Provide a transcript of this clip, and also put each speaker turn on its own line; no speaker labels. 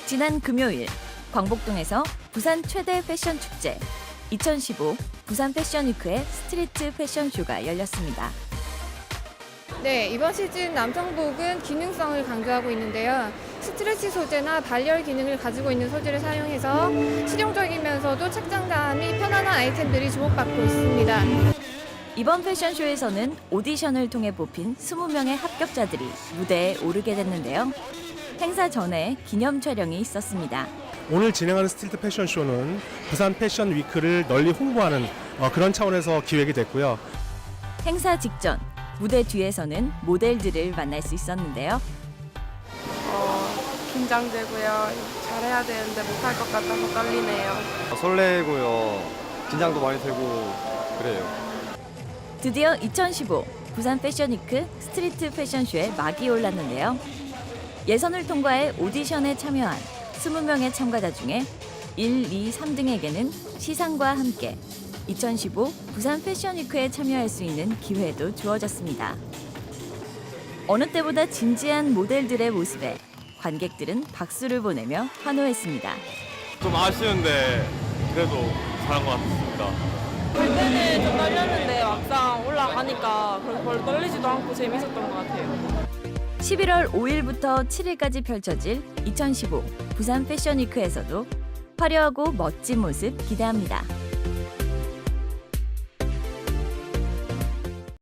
지난 금요일 광복동에서 부산 최대 패션 축제 2015 부산 패션위크의 스트리트 패션쇼가 열렸습니다.
네, 이번 시즌 남성복은 기능성을 강조하고 있는데요. 스트레치 소재나 발열 기능을 가지고 있는 소재를 사용해서 실용적이면서도 착장감이 편안한 아이템들이 주목받고 있습니다.
이번 패션쇼에서는 오디션을 통해 뽑힌 20명의 합격자들이 무대에 오르게 됐는데요. 행사 전에 기념 촬영이 있었습니다.
오늘 진행하는 스트리트 패션쇼는 부산 패션 위크를 널리 홍보하는 그런 차원에서 기획이 됐고요.
행사 직전 무대 뒤에서는 모델들을 만날 수 있었는데요.
긴장되고요. 잘해야 되는데 못할 것 같아서 떨리네요.
설레고요. 긴장도 많이 되고 그래요.
드디어 2015 부산 패션위크 스트리트 패션쇼에 막이 올랐는데요. 예선을 통과해 오디션에 참여한 20명의 참가자 중에 1, 2, 3등에게는 시상과 함께 2015 부산 패션위크에 참여할 수 있는 기회도 주어졌습니다. 어느 때보다 진지한 모델들의 모습에 관객들은 박수를 보내며 환호했습니다.
좀 아쉬운데 그래도 잘한 것 같습니다.
갈 때는 좀 떨렸는데 막상 올라가니까 별로 떨리지도 않고 재밌었던 것 같아요.
11월 5일부터 7일까지 펼쳐질 2015 부산 패션위크에서도 화려하고 멋진 모습 기대합니다.